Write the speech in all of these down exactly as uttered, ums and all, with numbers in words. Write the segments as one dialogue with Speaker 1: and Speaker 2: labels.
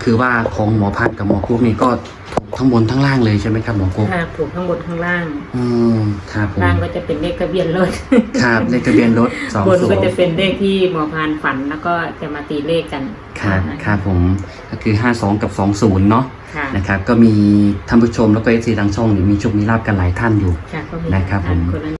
Speaker 1: คือว่าของหมอพัดกับหมอกุ๊กนี่ก็ถูกทั้งบนทั้งล่างเลยใช่ไหมครับหมอกุ๊ก
Speaker 2: ค่ะถูกข้างบนข้างล่าง
Speaker 1: อืมครับผม
Speaker 2: ล่างก็จะเป็นเลขทะเบียนรถ
Speaker 1: ครับเลขทะเบียนรถสอง
Speaker 2: บน
Speaker 1: ศู
Speaker 2: ก็
Speaker 1: นย์
Speaker 2: จะเป็นเลขที่หมอพานฝันแล้วก็จะมาตีเลขกัน
Speaker 1: ครับ
Speaker 2: นะคะ
Speaker 1: ครับผมก็คือห้าสองกับสองศูนย์เนาะ
Speaker 2: ค่ะ
Speaker 1: นะครับก็มีท่านผู้ชมแล้วก็เอฟซีทางช่องนี่มีโชคมีลาบกันหลายท่านอยู่
Speaker 2: ค่ะก็มี
Speaker 1: นะครับผม
Speaker 2: นละ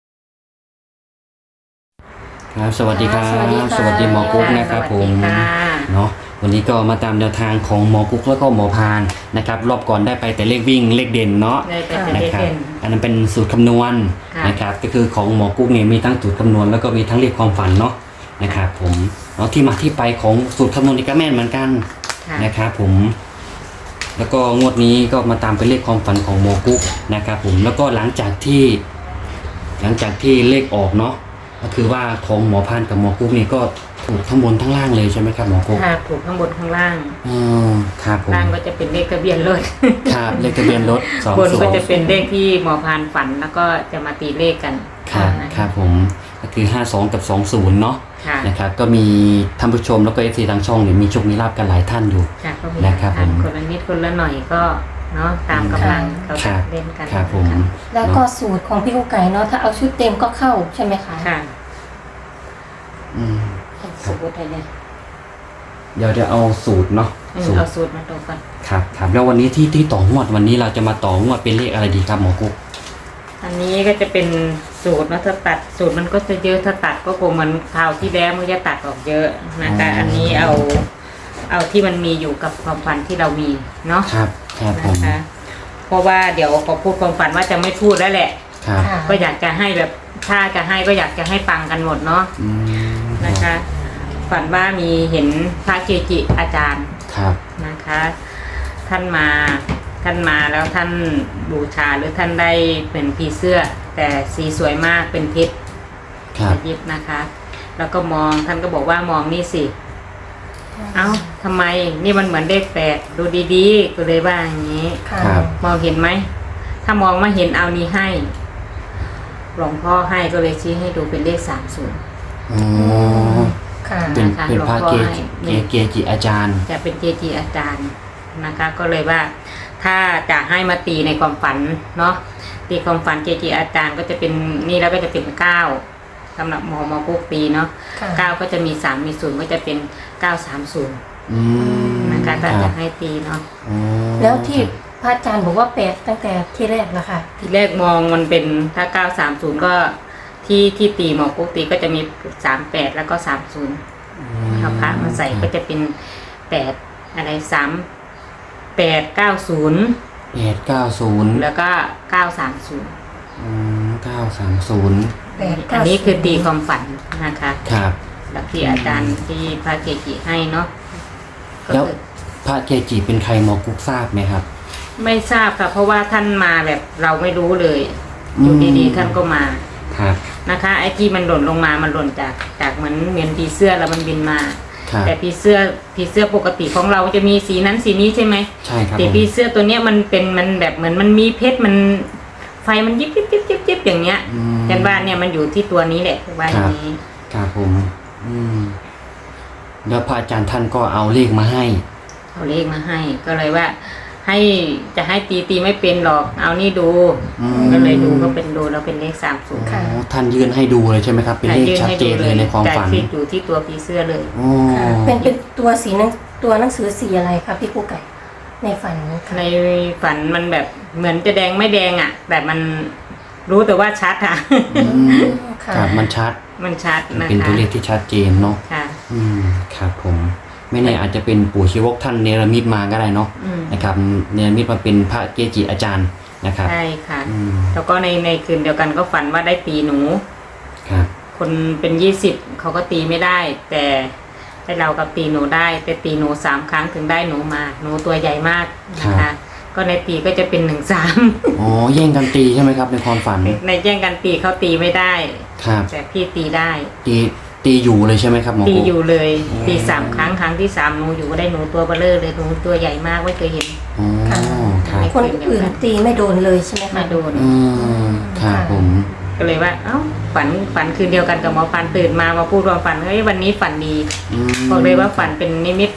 Speaker 1: ครับสวัสดีครับ
Speaker 3: สวัสดีค่ะ
Speaker 1: สวัสดีหมอกุ๊กนะครับผม
Speaker 2: สวัสดีค่ะ
Speaker 1: เนาะวันนี้ก็มาตามแนวทางของหมอกุ๊กแล้วก็หมอพานนะครับรอบก่อนได้ไปแต่เลขวิ่งเลขเด่นเนาะ
Speaker 2: ได้ไปเป็น
Speaker 1: นะ
Speaker 2: เลข
Speaker 1: ครับ
Speaker 2: เด่น
Speaker 1: อันนั้นเป็นสูตรคำนวณ
Speaker 2: ค่ะ
Speaker 1: นะครับก็คือของหมอกุ๊กเนี่ยมีทั้งสูตรคำนวณแล้วก็มีทั้งเลขความฝันเนาะนะครับผมเนาะที่มาที่ไปของสูตรคำนวณนี่ก็แม่นเหมือนกัน
Speaker 2: ค่ะ
Speaker 1: นะครับผมแล้วก็งวดนี้ก็มาตามเป็นเลขความฝันของหมอกุ๊กนะครับผมแล้วก็หลังจากที่ หลังจากที่เลขออกเนาะก็คือว่าของหมอพานกับหมอกุ๊กนี่ก็ถูกทั้งบนทั้งล่างเลยใช่ไหมครับหมอกุ๊ก
Speaker 2: ค่ะถูกข้างบนข้างล่าง
Speaker 1: อืมครับผม
Speaker 2: ล่างก็จะเป็นเลขทะเบียนรถ
Speaker 1: ครับเลขทะเบียนรถสอง
Speaker 2: บน
Speaker 1: ศู
Speaker 2: ก็
Speaker 1: น
Speaker 2: จะ
Speaker 1: ย์
Speaker 2: เป็นเลขที่หมอพานฝันแล้วก็จะมาตีเลขกัน
Speaker 1: ครับ
Speaker 2: นะะ
Speaker 1: ครับผมก็คือห้าสองกับสองศูนย์เนาะ
Speaker 2: ค่ะ
Speaker 1: นะครับก็มีท่านผู้ชมแล้วก็เอฟซีทางช่องเนี่ยมีโชคมีลาบกันหลายท่านอยู่
Speaker 2: ค่ะก็มี
Speaker 1: นะครับผม
Speaker 2: คนละนิดคนละหน่อยก็เนาะตามกำลังเขา
Speaker 1: ครั
Speaker 2: จะ
Speaker 1: บ
Speaker 2: เล่นกัน
Speaker 1: ครับผม
Speaker 3: แล้วก็สูตรของพี่กุ๊กไก่เนาะถ้าเอาชุดเต็มก็เข้าใช่ไหมคะ
Speaker 2: ค่ะ
Speaker 1: อืม
Speaker 2: สูตรอะไรเนี่ย
Speaker 1: เดี๋ยวจะเอาสูตรเนาะ
Speaker 2: อืม
Speaker 1: สูตร
Speaker 2: เอาสูตรมาดูก่อน
Speaker 1: ครับครับแล้ววันนี้ที่ที่ต่องวดวันนี้เราจะมาต่องวดเป็นเลขอะไรดีครับหมอกุ๊ก
Speaker 2: อันนี้ก็จะเป็นสูตรนะถ้าตัดสูตรมันก็จะเยอะถ้าตัดก็คงเหมือนคราวที่แล้วมันจะตัดออกเยอะนะคะอันนี้เอาเอาที่มันมีอยู่กับความฝันที่เรามีเนาะ
Speaker 1: ครับครับผม
Speaker 2: นะคะเพราะว่าเดี๋ยวพอพูดความฝันว่าจะไม่พูดแล้วแหละ
Speaker 1: ครับ
Speaker 3: ค่ะ
Speaker 2: ก็อยากจะให้แบบถ้าจะให้ก็อยากจะให้ปังกันหมดเนาะ
Speaker 1: อืม
Speaker 2: นะคะ ฝันว่ามีเห็นพระเกจิอาจารย์
Speaker 1: ครับ
Speaker 2: นะคะ ท่านมาท่านมาแล้วท่านบูชาหรือท่านได้เป็นผีเสื้อ แต่สีสวยมากเป็นเพชร
Speaker 1: ครับ
Speaker 2: ยิบนะคะ แล้วก็มองท่านก็บอกว่ามองนี่สิ เอ้าทำไมนี่มันเหมือนเลขแปดดูดีๆก็เลยว่าอย่างนี้
Speaker 3: ค่ะ
Speaker 1: ครับ
Speaker 2: มองเห็นไหม ถ้ามองมาเห็นเอานี้ให้ หลวงพ่อให้ก็เลยชี้ให้ดูเป็นเลขสามศูนย์
Speaker 1: อ๋อ
Speaker 3: ค่ะ
Speaker 1: เป็น
Speaker 2: นะคะ
Speaker 1: เป็นพระเก
Speaker 2: หลวงพ่อให้
Speaker 1: จิเก
Speaker 2: นี่
Speaker 1: เกจิอาจารย์
Speaker 2: จะเป็นเจจีอาจารย์นะคะ ก็เลยว่า ถ้าจะให้มาตีในความฝันเนาะตีความฝันเจจีอาจารย์ก็จะเป็นนี่แล้วก็จะเป็นเก้าสำหรับหมอหมอปุ๊กตีเนาะ
Speaker 3: ค่ะ
Speaker 2: เก้าก็จะมีสามมีศูนย์ก็จะเป็นเก้าสามศูนย์
Speaker 1: อืม
Speaker 2: นะคะ
Speaker 1: ค
Speaker 2: ถ้า
Speaker 1: รั
Speaker 2: จะ
Speaker 1: บ
Speaker 2: ให้ตีเนาะ
Speaker 1: อ๋อ
Speaker 3: แล้วที่พระอาจารย์บอกว่าแปดตั้งแต่ที่แรกแล้วค่ะ
Speaker 2: ทีแรกมองมันเป็นถ้าเก้าสามศูนย์ก็ที่ที่ตีหมอปุ๊กตีก็จะมีสามแปดแล้วก็สามศูนย์
Speaker 1: อื
Speaker 2: เอาพระมาใส่ก็จะเป็นแปดอะไรสามแปดเก้าศูนย์
Speaker 1: แปดเก้าศูนย์
Speaker 2: แล้วก็เก้าสามศูนย์
Speaker 1: อืมเก้าสามศูนย์
Speaker 3: แปด
Speaker 2: อั
Speaker 3: เก้าน
Speaker 2: นี้คือตีความฝันนะคะ
Speaker 1: ครับ
Speaker 2: แล้วที่อาจารย์ที่พระเกจิให้เนาะก็
Speaker 1: แล้ว
Speaker 2: คือ
Speaker 1: พระเกจิเป็นใครหมอกุ๊กทราบไหมครับ
Speaker 2: ไม่ทราบค่ะเพราะว่าท่านมาแบบเราไม่รู้เลย
Speaker 1: อืม
Speaker 2: อยู่ดีๆท่านก็มา
Speaker 1: ครับ
Speaker 2: นะคะ ไอ้ที่มันหล่นลงมามันหล่นจากจากเหมือนเหมือนผีเสื้อแล้วมันบินมา
Speaker 1: ครับ
Speaker 2: แต่ผีเสื้อผีเสื้อปกติของเราจะมีสีนั้นสีนี้ใช่ไหม
Speaker 1: ใช่ครับ
Speaker 2: แต่
Speaker 1: ผม
Speaker 2: ผีเสื้อตัวเนี้ยมันเป็นมันแบบเหมือนมันมีเพชรมันไฟมันยิบยิบยิบยิบยิบอย่างเงี้ย
Speaker 1: อืม
Speaker 2: กันว่าเนี่ยมันอยู่ที่ตัวนี้แหละว่าอย่างนี้
Speaker 1: ครับผม อืมแล้วพระอาจารย์ท่านก็เอาเลขมาให้
Speaker 2: เอาเลขมาให้ ก็เลยว่า ให้จะให้ตีตีไม่เป็นหรอก เอานี่ดู
Speaker 1: อืม
Speaker 2: ก็เลยดูก็เป็นดูแล้วเป็นเลขสามศูนย์
Speaker 1: อ๋อท่านยื่นให้ดูเลยใช่ไหมครับ เป็นเลขชัดเจนเลยในความฝัน
Speaker 2: ที่อยู่ที่ตัวผีเสื้อเลย
Speaker 1: อ๋อ
Speaker 3: ค่ะเป็นเป็นตัวสีหนังตัวหนังสือสีอะไรคะพี่กุ๊กไก่ในฝันค่ะ
Speaker 2: ในฝันมันแบบเหมือนจะแดงไม่แดงอ่ะ แต่มันรู้แต่ว่าชัดค่ะ
Speaker 1: อืม
Speaker 3: ค่ะ
Speaker 1: ครับมันชัด
Speaker 2: มันชัดนะคะ
Speaker 1: เป็นตัวเลขที่ชัดเจนเนาะ
Speaker 2: ค่ะ
Speaker 1: อืมครับผม ไม่แน่อาจจะเป็นปู่ชีวกท่านเนรมิตมาก็ได้เนาะ
Speaker 2: อืม
Speaker 1: นะครับเนรมิตมาเป็นพระเกจิอาจารย์นะครับ
Speaker 2: ใช่ค่ะ
Speaker 1: อืม
Speaker 2: แล้วก็ในในคืนเดียวกันก็ฝันว่าได้ตีหนู
Speaker 1: ครับ
Speaker 2: คนเป็นยี่สิบเขาก็ตีไม่ได้ แต่ให้เรากับตีหนูได้ แต่ตีหนูสามครั้งถึงได้หนูมาหนูตัวใหญ่มากนะคะ ก็ในตีก็จะเป็นหนึ่งสาม
Speaker 1: อ๋อแย่งกันตีใช่ไหมครับในความฝัน
Speaker 2: ในแย่งกันตีเขาตีไม่ได้
Speaker 1: ครับ
Speaker 2: แต่พี่ตีได้
Speaker 1: ตีตีอยู่เลยใช่ไหมครับหมอ
Speaker 2: ตี
Speaker 1: กุ๊ก
Speaker 2: อยู่เลย
Speaker 1: อืม
Speaker 2: ตีสามครั้งครั้งที่สามหนูอยู่ก็ได้หนูตัวเบลเลอร์เลยหนูตัวใหญ่มากไม่เคยเห็น
Speaker 1: อ๋อครับ
Speaker 3: คนอื่นตีไม่โดนเลยใช่ไหมคะ
Speaker 2: ไม่โดน
Speaker 1: อืมครับผม
Speaker 2: ก็เลยว่า เอ้าฝันฝันคืนเดียวกันกับหมอฟันตื่นมามาพูดว่าฝันเฮ้ยวันนี้ฝันดี
Speaker 1: อืม
Speaker 2: บอกเลยว่าฝันเป็นนิมิต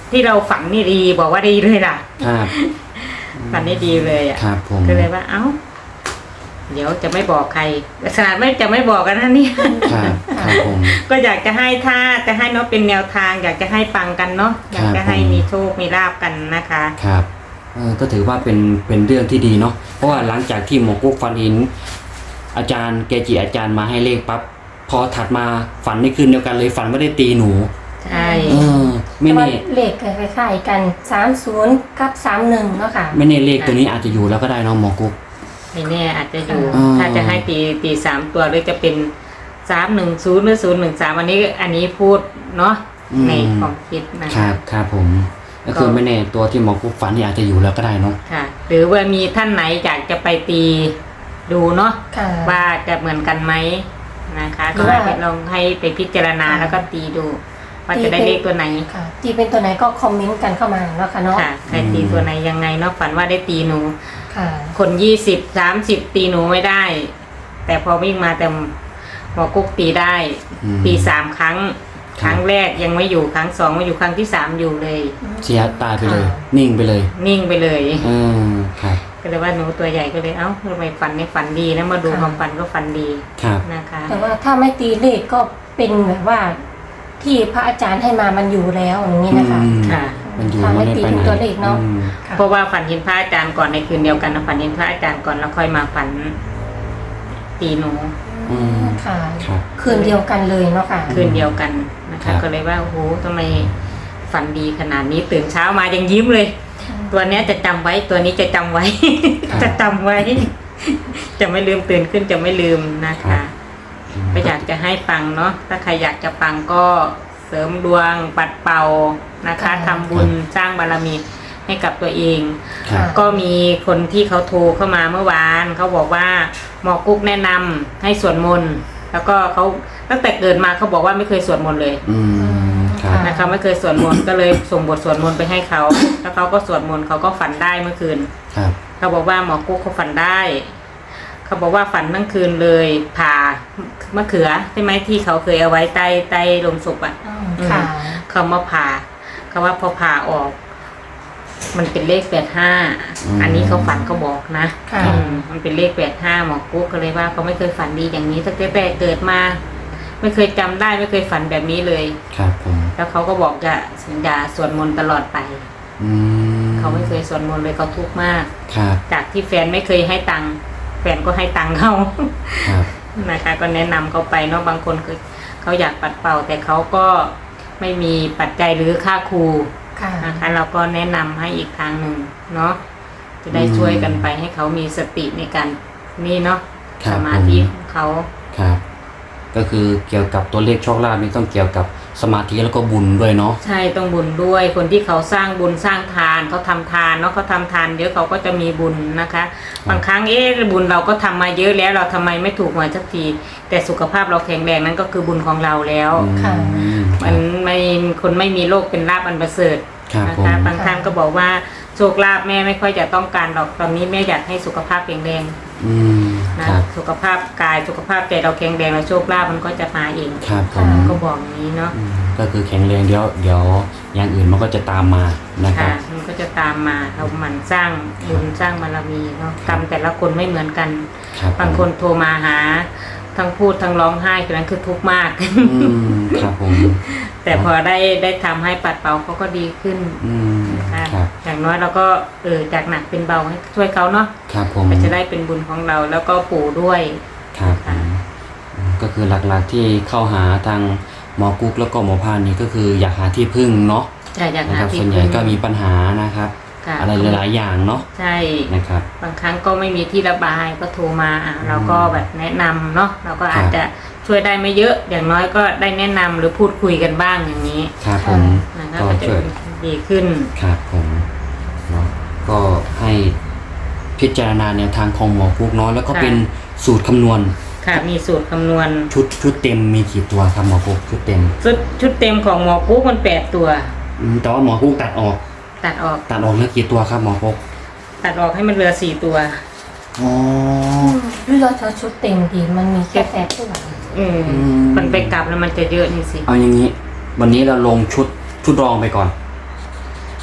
Speaker 2: ที่เราฝันนี่ดีบอกว่าดีเลยล่ะ
Speaker 1: ครับ
Speaker 2: ฝันนี่ดีเลยอ่ะ
Speaker 1: ครับผม
Speaker 2: ก็เลยว่าเอ้า เดี๋ยวจะไม่บอกใครขนาดไม่จะไม่บอกกันนะเนี่ย
Speaker 1: ครับครับผม
Speaker 2: ก็อยากจะให้ถ้าจะให้เนาะเป็นแนวทาง อยากจะให้ปังกันเนาะอยากจะให้มีโชคมีลาบกันนะคะ
Speaker 1: ครับเออก็ถือว่าเป็นเป็นเรื่องที่ดีเนาะเพราะว่าหลังจากที่หมอกุ๊กฝันเห็นอาจารย์เกจิอาจารย์มาให้เลขปั๊บพอถัดมาฝันในคืนเดียวกันเลยฝันว่าได้ตีหนู
Speaker 2: ใช่
Speaker 1: เออไม่
Speaker 3: แต่ว่า
Speaker 1: แน่
Speaker 3: เลขคล้ายๆกันสามศูนย์กับสามหนึ่งเนาะค่ะ
Speaker 1: ไม่แน่เลขตัวนี้อาจจะอยู่แล้วก็ได้เนาะหมอกุ๊ก
Speaker 2: ไม่แน่อาจจะอยู่
Speaker 1: อ่า
Speaker 2: ถ้าจะให้ตีตีสามตัวหรือจะเป็นสามหนึ่งศูนย์หรือศูนย์หนึ่งสามอันนี้อันนี้พูดเนาะในความคิดนะ
Speaker 1: ครั
Speaker 2: คะ
Speaker 1: บครับผมก็คือไม่แน่ตัวที่หมอกุ๊กฝันนี่อาจจะอยู่แล้วก็ได้เนาะ
Speaker 2: ค่ะ หรือว่ามีท่านไหนอยากจะไปตีดูเนาะ
Speaker 3: ค่ะ
Speaker 2: ว่าจะเหมือนกันไหมนะคะ
Speaker 3: หรื
Speaker 2: ก็
Speaker 3: อว่า
Speaker 2: ให้ลองให้ไปพิจารณา
Speaker 3: ค่ะ
Speaker 2: แล้วก็ตีดู ว่าจะได้เลขตัวไหน
Speaker 3: ค่ะที่เป็นตัวไหนก็คอมเมนต์กันเข้ามาเนาะค่ะเนาะ
Speaker 2: ค่ะใครตีตัวไหนยังไงเนาะฝันว่าได้ตีหนู
Speaker 3: ค่ะ
Speaker 2: คนยี่สิบสามสิบตีหนูไม่ได้ แต่พอวิ่งมาแต่หมอกุ๊กตีได้
Speaker 1: อืม
Speaker 2: ตีสามครั้ง
Speaker 1: ครับ
Speaker 2: ครั้งแรกยังไม่อยู่ครั้งสองไม่อยู่ครั้งที่สามอยู่เลย
Speaker 1: เสียตายไปเลย นิ่งไปเลย
Speaker 2: นิ่งไปเลย
Speaker 1: เออครับ
Speaker 2: ก็เลยว่าหนูตัวใหญ่ก็เลยเอ้าทำไมฝันในฝันดีแล้วมาดู
Speaker 3: ค่ะ
Speaker 2: ความฝันก็ฝันดี
Speaker 1: ครับ
Speaker 2: นะคะ
Speaker 3: แต่ว่าถ้าไม่ตีเลขก็เป็นแบบว่า ที่พระอาจารย์ให้มามันอยู่แล้วอย่างนี้นะคะ
Speaker 1: อืม
Speaker 2: ค่ะ
Speaker 1: มันอยู่
Speaker 3: ถ้าไม่
Speaker 1: ไม่ได้
Speaker 3: ตี
Speaker 1: ไป
Speaker 3: เป็น
Speaker 1: ไหน
Speaker 3: ตัวเลขเนาะ
Speaker 1: อืม
Speaker 3: ค่ะ
Speaker 2: เพราะว่าฝันเห็นพระอาจารย์ก่อนในคืนเดียวกันนะฝันเห็นพระอาจารย์ก่อนแล้วค่อยมาฝันตีหนู
Speaker 1: อืม
Speaker 3: ค่ะ
Speaker 1: ครับ
Speaker 3: คืนเดียวกันเลยเนาะค่ะ
Speaker 2: คืนเดียวกันนะ
Speaker 1: ครั
Speaker 2: คะ
Speaker 1: บ
Speaker 2: ก็เลยว่าโอ้โหทำไมฝันดีขนาดนี้ตื่นเช้ามายังยิ้มเลย ตัวเนี้ยจะจำไว้ตัวนี้จะจำไว้ จะจำไว้ จะไม่ลืมตื่นขึ้นจะไม่ลืมนะคะก็อยากจะให้ปังเนาะถ้าใครอยากจะปังก็เสริมดวงปัดเป่านะคะ
Speaker 3: ค่ะ
Speaker 2: ทำบุญสร้างบารมีให้กับตัวเอง
Speaker 1: ครับ
Speaker 2: ก็มีคนที่เขาโทรเข้ามาเมื่อวานเขาบอกว่าหมอกุ๊กแนะนำให้สวดมนต์แล้วก็เขาตั้งแต่เกิดมาเขาบอกว่าไม่เคยสวดมนต์เลย
Speaker 1: อืมครับ
Speaker 2: นะคะไม่เคยสวดมนต์ก็เลยส่งบทสวดมนต์ไปให้เขาแล้วเขาก็สวดมนต์เขาก็ฝันได้เมื่อคืน
Speaker 1: ครับ
Speaker 2: เขาบอกว่าหมอกุ๊กเขาฝันได้ เขาบอกว่าฝันทั้งคืนเลยผ่ามะเขือใช่ไหมที่เขาเคยเอาไว้ใต้ใต้ลงศพอ่ะ
Speaker 3: อืมค่ะ
Speaker 2: เขามาผ่าเขาว่าพอผ่าออก มันเป็นเลขแปดห้า
Speaker 1: อืม
Speaker 2: อันนี้เขาฝันเขาบอกนะ
Speaker 3: ค่ะ
Speaker 2: อืมมันเป็นเลขแปดห้าหมอกุ๊กก็เลยว่าเขาไม่เคยฝันดีอย่างนี้ตั้งแต่แต่เกิดมา ไม่เคยจำได้ไม่เคยฝันแบบนี้เลย
Speaker 1: ครับผม
Speaker 2: แล้วเขาก็บอกจะสัญญาสวดมนต์ตลอดไป
Speaker 1: อืม
Speaker 2: เขาไม่เคยสวดมนต์เลยเขาทุกข์มาก
Speaker 1: ครับ
Speaker 2: จากที่แฟนไม่เคยให้ตังค์แฟนก็ให้ตังค์เขา
Speaker 1: ครับ
Speaker 2: นะคะก็แนะนำเขาไปเนาะบางคนคือเขาอยากปัดเป่า แต่เขาก็ไม่มีปัจจัยหรือค่าครู
Speaker 3: ค่ะ
Speaker 2: นะคะเราก็แนะนำให้อีกทางหนึ่งเนาะจะได้
Speaker 1: อืม
Speaker 2: ช่วยกันไปให้เขามีสติในการนี่เนาะ
Speaker 1: ครับ
Speaker 2: สมาธิของเขา
Speaker 1: ครับ ก็คือเกี่ยวกับตัวเลขโชคลาภนี่ต้องเกี่ยวกับสมาธิแล้วก็บุญด้วยเนาะ
Speaker 2: ใช่ต้องบุญด้วยคนที่เขาสร้างบุญสร้างทานเขาทำทานเนาะเขาทำทานเยอะเขาก็จะมีบุญนะคะ บางครั้งเอ๊ะบุญเราก็ทำมาเยอะแล้วเราทำไมไม่ถูกหวยสักทีแต่สุขภาพเราแข็งแรงนั่นก็คือบุญของเราแล้ว
Speaker 3: ค่ะ
Speaker 1: อืมค
Speaker 2: มั
Speaker 1: รับ
Speaker 2: นไม่คนไม่มีโรคเป็นลาภอันประเสริฐ
Speaker 1: ครับ
Speaker 2: นะ
Speaker 1: ผม
Speaker 2: คะบางท่านก็บอกว่าโชคลาภแม่ไม่ค่อยจะต้องการหรอกตอนนี้แม่อยากให้สุขภาพแข็งแรง
Speaker 1: อืม
Speaker 2: นะครับ สุขภาพกายสุขภาพใจเราแข็งแรงแล้วโชคลาภมันก็จะมาเอง
Speaker 1: ครับผม
Speaker 2: ก็บอกอย่างนี้เนาะ
Speaker 1: อืมก็คือแข็งแรงเดี๋ยวเดี๋ยวอย่างอื่นมันก็จะตามมานะครั
Speaker 2: ค่ะ
Speaker 1: บ
Speaker 2: มันก็จะตามมาเราหมั่นสร้างบุญสร้างบารมีเนาะกรรมแต่ละคนไม่เหมือนกัน
Speaker 1: ครับผม
Speaker 2: บางคนโทรมาหาทั้งพูดทั้งร้องไห้คือนั้นคือทุกข์มาก
Speaker 1: อืมครับผม
Speaker 2: แต่พอได้ได้ทำให้ปัดเป่าเขาก็ดีขึ้น
Speaker 1: อืม
Speaker 2: นะคะ
Speaker 1: ครับ
Speaker 2: อย่างน้อยเราก็เออจากหนักเป็นเบาให้ช่วยเขาเนาะ
Speaker 1: ครับผม
Speaker 2: ก็จะได้เป็นบุญของเราแล้วก็ปู่ด้วย
Speaker 1: ครับผมอืมก็คือหลักๆที่เข้าหาทางหมอกุ๊กแล้วก็หมอพานนี่ก็คืออยากหาที่พึ่งเนาะ
Speaker 2: แต่อยาก
Speaker 1: นะ
Speaker 2: หา
Speaker 1: ครับ
Speaker 2: ที่
Speaker 1: ส่วนใหญ่
Speaker 2: พึ่ง
Speaker 1: ก็มีปัญหานะครับ
Speaker 2: ค่ะ
Speaker 1: อะไรหลายๆอย่างเนาะ
Speaker 2: ใช่
Speaker 1: นะครับ
Speaker 2: บางครั้งก็ไม่มีที่ระบายก็โทรมาอ่ะเราก็แบบแนะนำเนาะเราก็อาจจะช่วยได้ไม่เยอะ อย่างน้อยก็ได้แนะนำหรือพูดคุยกันบ้างอย่างนี้
Speaker 1: ครับผม
Speaker 2: นะคะ
Speaker 1: ก็
Speaker 2: ก็จะ
Speaker 1: ช่วย
Speaker 2: ดีขึ้น
Speaker 1: ครับผมเนาะก็ให้พิจารณาแนวทางของหมอกุ๊กเนาะแล้วก็
Speaker 2: ค่ะ
Speaker 1: เป็นสูตรคำนวณ
Speaker 2: ค่ะมีสูตรคำนวณ
Speaker 1: ชุดชุดเต็มมีกี่ตัวครับหมอกุ๊กชุดเต็ม
Speaker 2: ชุดชุดเต็มของหมอกุ๊กมันแปดตัว
Speaker 1: อืมแต่ว่าหมอกุ๊กตัดออก
Speaker 2: ตัดออก
Speaker 1: ตัดออกแล้วกี่ตัวครับหมอกุ๊ก
Speaker 2: ตัดออกให้มันเหลือสี่ตัว
Speaker 1: อ๋อ
Speaker 3: หรือเราจะชุดเต็มดีมันมีแค่แปดตัว
Speaker 2: อืม
Speaker 1: อืม
Speaker 2: มันไปกลับแล้วมันจะเยอะนี่สิ
Speaker 1: เอาอย่างนี้ วันนี้เราลงชุดชุดรองไปก่อน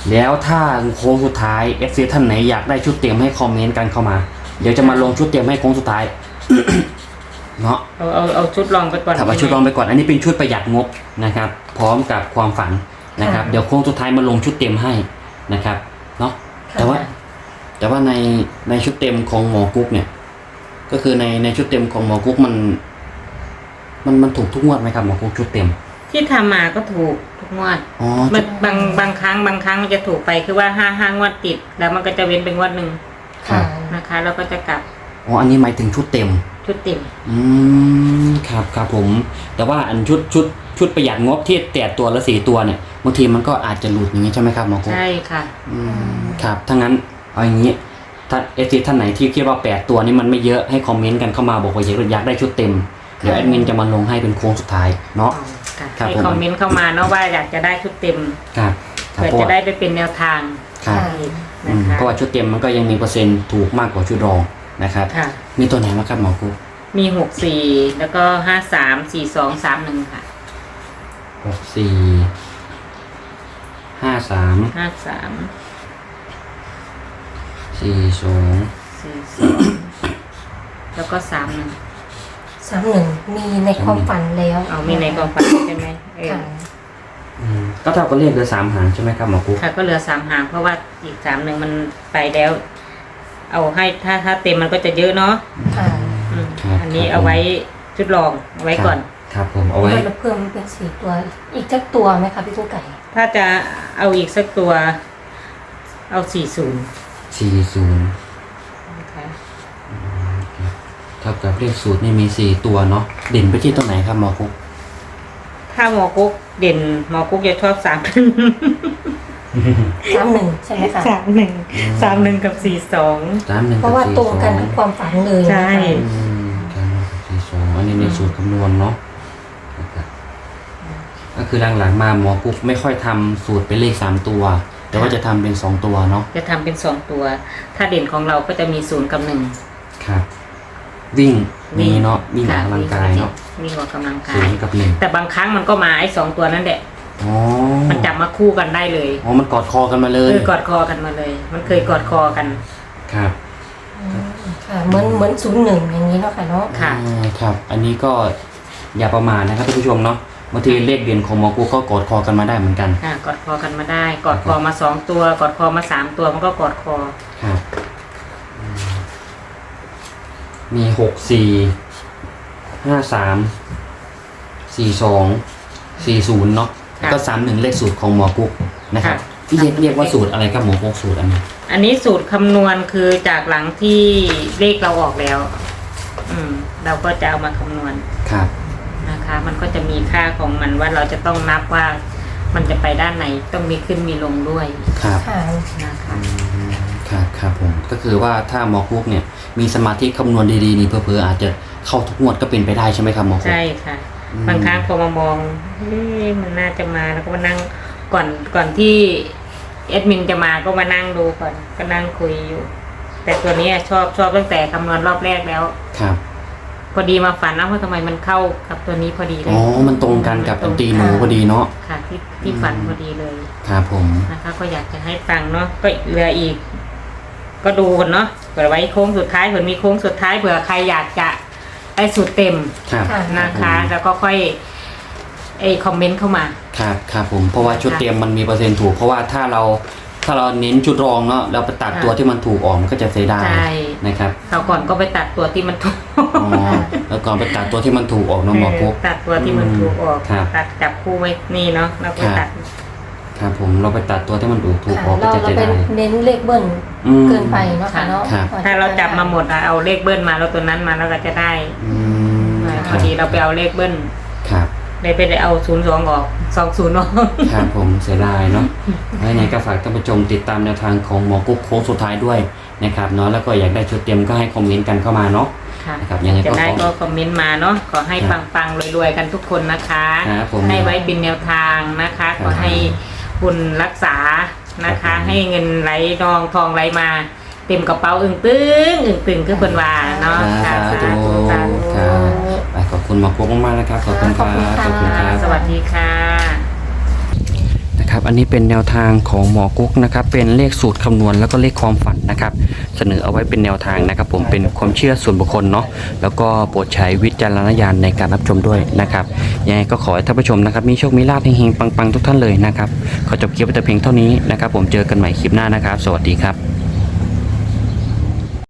Speaker 1: แล้วถ้าโค้งสุดท้าย เอฟ ซี ท่านไหนอยากได้ชุดเต็มให้คอมเมนต์กันเข้ามาเดี๋ยวจะมาลงชุดเต็มให้โค้งสุดท้าย เนาะ
Speaker 2: เอาเอาเอาชุดลองไปก่อน
Speaker 1: ถ้าเอาชุดลองไปก่อนอันนี้เป็นชุดประหยัดงบนะครับ พร้อมกับความฝันนะครับ เดี๋ยวโค้งสุดท้ายมาลงชุดเต็มให้นะครับเนาะแต่ว่า แต่ว่าในในชุดเต็มของหมอกุ๊กเนี่ย ก็คือในในชุดเต็มของหมอกุ๊กมัน มันมันถูกทุกงวดไหมครับหมอกุ๊กชุดเต็ม
Speaker 2: ที่ทำมาก็ถูกทุกงวด
Speaker 1: อ๋อ
Speaker 2: มันบางบางครั้งบางครั้งมันจะถูกไปคือว่าห้าห้างวดติด แล้วมันก็จะเว้นเป็นงวดหนึ่ง
Speaker 3: ค่ะ
Speaker 2: นะคะแล้วก็จะกลับ
Speaker 1: อ๋ออันนี้หมายถึงชุดเต็ม
Speaker 2: ชุดเต็ม
Speaker 1: อืมครับครับผม แต่ว่าอันชุดชุดชุดประหยัดงบที่แต่ตัวละสี่ตัวเนี่ยบางทีมันก็อาจจะหลุดอย่างนี้ใช่ไหมครับหมอกุ๊ก
Speaker 2: ใช่ค่ะ
Speaker 1: อืมครับถ้างั้นเอาอย่างนี้ถ้าเอซีท่านไหนที่คิดว่าแปดตัวนี้มันไม่เยอะให้คอมเมนต์กันเข้ามาบอกว่าอยากได้ชุดเต็มเดี๋ยวแอดมินจะมาลงให้เป็นโค้งสุดท้ายเนาะ
Speaker 2: ค่ะ
Speaker 1: ครับ
Speaker 2: ให้
Speaker 1: ผม
Speaker 2: คอมเมนต์เข้ามาเนาะว่าอยากจะได้ชุดเต็ม
Speaker 1: ครับครับ
Speaker 2: เพื่อ
Speaker 1: เพราะ
Speaker 2: จะ
Speaker 1: ว่า
Speaker 2: ได้ไปเป็นแนวทาง
Speaker 1: ครับ
Speaker 2: นะ
Speaker 1: อืม
Speaker 2: คะ
Speaker 1: เพราะว่าชุดเต็มมันก็ยังมีเปอร์เซ็นต์ถูกมากกว่าชุดรองนะครับ
Speaker 2: ค่ะ
Speaker 1: มีตัวไหนบ้างครับหมอกุ๊ก
Speaker 2: มีหกสี่แล้วก็ห้าสามสี่สองสามหนึ่งค่ะ
Speaker 1: หกสี่ห้าสาม
Speaker 2: ห้าสาม
Speaker 1: สี่สอง
Speaker 2: สี่สองแล้วก็สามหนึ่ง
Speaker 3: สามหนึ่งมีในความฝันแล้ว
Speaker 2: เอามีในความฝันใช่ไหมเออ
Speaker 3: ค่ะ
Speaker 1: อืมก็เท่ากับเลขเหลือสามหางใช่ไหมครับหมอกุ๊ก
Speaker 2: ค่ะก็เหลือสามหางเพราะว่าอีกสามหนึ่งมันไปแล้ว เอาให้ถ้าถ้าเต็มมันก็จะเยอะเนาะ
Speaker 3: ค่ะ
Speaker 2: อืม
Speaker 1: ครับ
Speaker 2: อันนี้
Speaker 1: ครับ
Speaker 2: เอาไว้ชุดรองเอาไว้ก่อน
Speaker 1: ครับผมเอาไว้
Speaker 3: เราเพิ่มเป็นสี่ตัว อีกจักตัวไหมคะพี่กุ้งไก่
Speaker 2: ถ้าจะเอาอีกสักตัว เอาสี่ศูนย์
Speaker 1: สี่ศูนย์
Speaker 2: นะคะ
Speaker 1: เท่ากับเลขสูตรนี่มีสี่ตัวเนาะเด่นไปที่ตรงไหนครับหมอกุ๊ก
Speaker 2: ถ้าหมอกุ๊กเด่นหมอกุ๊กจะชอบสาม
Speaker 3: สามหนึ่งใช่ไหมคะ
Speaker 2: สามหนึ่งสามหนึ่งกับสี่สอง
Speaker 1: สามหนึ่ง
Speaker 3: เพราะว่าตรงกันกับความฝันเลยนะคะ
Speaker 2: ใช่
Speaker 1: อืมสามหนึ่งกับสี่สองอันนี้ในสูตรคำนวณเนาะนะครับก็คือหลังๆมาหมอกุ๊กไม่ค่อยทำสูตรเป็นเลขสามตัว แต่ว่าจะทำเป็นสองตัวเนาะ
Speaker 2: จะทำเป็นสองตัว ถ้าเด่นของเราก็จะมีศูนย์กับหนึ่ง
Speaker 1: ครับ วิ่งมีเนาะวิ่งออกกำลังกายเนาะ
Speaker 2: วิ่งออกกำลังกา
Speaker 1: ศู
Speaker 2: ย
Speaker 1: นย์กับหนึ่ง
Speaker 2: แต่บางครั้งมันก็มาไอ้สองตัวนั่นแหละ
Speaker 1: อ๋อ
Speaker 2: มันจับมาคู่กันได้เลย
Speaker 1: อ๋อมันกอดคอกันมาเล
Speaker 2: เอย อกอดคอกันมาเลย มันเคยกอดคอกัน
Speaker 1: ครับ
Speaker 3: อืมค่ะเหมือนเหมือนศูนย์หนึ่งอย่างนี้เนาะค่ะเนาะ
Speaker 2: ค่ะ
Speaker 1: อ่าครับ อันนี้ก็อย่าประมาทนะครับท่านผู้ชมเนาะบางทีเลขเด่นของหมอกุ๊กก็กอดคอกันมาได้เหมือนกัน
Speaker 2: ค่ะกอดคอกันมาได้ กอดคอมาสองตัว กอดคอมาสามตัวมันก็กอดคอ
Speaker 1: ครับอืมมีหกสี่ห้าสามสี่สองสี่ศูนย์เนาะแล้วก็สามหนึ่งเลขสูตรของหมอกุ๊กนะครับที่เรียกเรียกว่าสูตรอะไรครับหมอกุ๊กสูตรอันนี้
Speaker 2: อันนี้สูตรคำนวณคือจากหลังที่เลขเราออกแล้ว อืม เราก็จะเอามาคำนวณ
Speaker 1: ครับ
Speaker 2: นะคะ มันก็จะมีค่าของมันว่าเราจะต้องนับว่ามันจะไปด้านไหนต้องมีขึ้นมีลงด้วย
Speaker 1: ครับ
Speaker 3: ค่ะ
Speaker 2: นะคะ
Speaker 1: อืมครับครับผมก็คือว่าถ้าหมอกุ๊กเนี่ยมีสมาธิคำนวณดีๆนี่เพื่อๆอาจจะเข้าทุกงวดก็เป็นไปได้ใช่ไหมครับหมอกุ๊ก
Speaker 2: ใช่ค่ะ
Speaker 1: อืม
Speaker 2: บางครั้งพอมามองเอ๊ะมันน่าจะมาแล้วก็มานั่งก่อนก่อนที่แอดมินจะมาก็มานั่งดูก่อนก็นั่งคุยอยู่ แต่ตัวนี้ชอบชอบตั้งแต่คำนวณรอบแรกแล้ว
Speaker 1: ครับ
Speaker 2: พอดีมาฝันนะว่าทำไมมันเข้ากับตัวนี้พอดีเลย
Speaker 1: อ๋อมันตรงกันกับอันตีหนูพอดีเนาะ
Speaker 2: ค่ะ ที่ที่ฝันพอดีเลย
Speaker 1: ครับผม
Speaker 2: นะคะ ก็อยากจะให้ฟังเนาะก็เหลืออีก ก็ดูกันเนาะเผื่อไว้โค้งสุดท้ายเผื่อมีโค้งสุดท้ายเผื่อใครอยากจะได้สูตรเต็ม
Speaker 1: ครับ
Speaker 3: ค่ะ
Speaker 2: นะคะ แล้วก็ค่อยไอคอมเมนต์เข้ามา
Speaker 1: ครับครับผมเพราะว่าชุด
Speaker 2: ค่ะ
Speaker 1: เตรียมมันมีเปอร์เซ็นต์ถูกเพราะว่าถ้าเราถ้าเราเน้นชุดรองเนาะเราไปตัด
Speaker 2: ค่ะ
Speaker 1: ตัวที่มันถูกออกมันก็จะเสียดาย
Speaker 2: ใช่
Speaker 1: นะครับ
Speaker 2: คราวก่อนก็ไปตัดตัวที่มันถูก
Speaker 1: อ๋อแล้วก่อนไปตัดตัวที่มันถูกออกเนาะหมอกุ๊ก
Speaker 2: ตัดตัวที่มันถูกออก
Speaker 1: ครับ
Speaker 2: ตัดจับคู่ไว้นี่เนาะแล้วก็
Speaker 1: ครับ
Speaker 2: ตัด
Speaker 1: ครับผมเราไปตัดตัวที่มันถูกถูก
Speaker 3: ค่ะ
Speaker 1: ออกก็
Speaker 3: เรา
Speaker 1: จะ
Speaker 3: เรา
Speaker 1: เสีย
Speaker 3: เป็น
Speaker 1: ดาย
Speaker 3: เน้นเลขเบิ้ล
Speaker 1: อืม
Speaker 3: เกินไปเนาะค่ะเนาะ
Speaker 1: ครับ
Speaker 2: ถ้าเราจับมาหมดอะเอาเลขเบิ้ลมาแล้วตัวนั้นมาแล้วก็จะได้
Speaker 1: อืม
Speaker 2: อ่า
Speaker 1: ค
Speaker 2: พ
Speaker 1: รั
Speaker 2: อบ ดีเราไปเอาเลขเบิ้ล
Speaker 1: ครับ
Speaker 2: เลยไปได้เอาศูนย์สองออกสองศูนย์ออก
Speaker 1: ครับผมเสียดายเนาะแล้วยังไงก็ฝากท่านผู้ชมติดตามแนวทางของหมอกุ๊กโค้งสุดท้ายด้วยนะครับเนาะแล้วก็อยากได้ชุดเตรียมก็ให้คอมเมนต์กันเข้ามาเนาะ
Speaker 2: ค่ะ
Speaker 1: นะครับยังไงก็
Speaker 2: จะได้
Speaker 1: ขอ
Speaker 2: ก็คอมเมนต์มาเนาะขอให้
Speaker 1: ครับ
Speaker 2: ปังๆรวยๆกันทุกคนนะคะ
Speaker 1: ครับผม
Speaker 2: ให้ไว้เป็นแนวทางนะคะ
Speaker 1: ครับ
Speaker 2: ขอให้บุญรักษานะ
Speaker 1: ครั
Speaker 2: คะ
Speaker 1: บผม
Speaker 2: ให้เงินไหลนองทองไหลมาเต็มกระเป๋าอึ่งตึงอึ่งตึงคือเพิ่นว่าเนาะ
Speaker 1: สา
Speaker 2: ค่ะ
Speaker 1: ธุ
Speaker 2: สาธุ
Speaker 1: ครับไปขอบคุณหมอกุ๊กมากๆนะครับขอบคุณครับ
Speaker 3: ขอบคุณค่ะ
Speaker 1: ขอบคุณครับ
Speaker 2: สวัสดีค่ะ
Speaker 1: นะครับอันนี้เป็นแนวทางของหมอกุ๊กนะครับเป็นเลขสูตรคำนวณแล้วก็เลขความฝันนะครับเสนอเอาไว้เป็นแนวทางนะครับผมเป็นความเชื่อส่วนบุคคลเนาะแล้วก็โปรดใช้วิจารณญาณในการรับชมด้วยนะครับยังไงก็ขอให้ท่านผู้ชมนะครับมีโชคมีลาภเฮงๆปังๆทุกท่านเลยนะครับขอจบคลิปไว้แต่เพียงเท่านี้นะครับผมเจอกันใหม่คลิปหน้านะครับสวัสดีครับ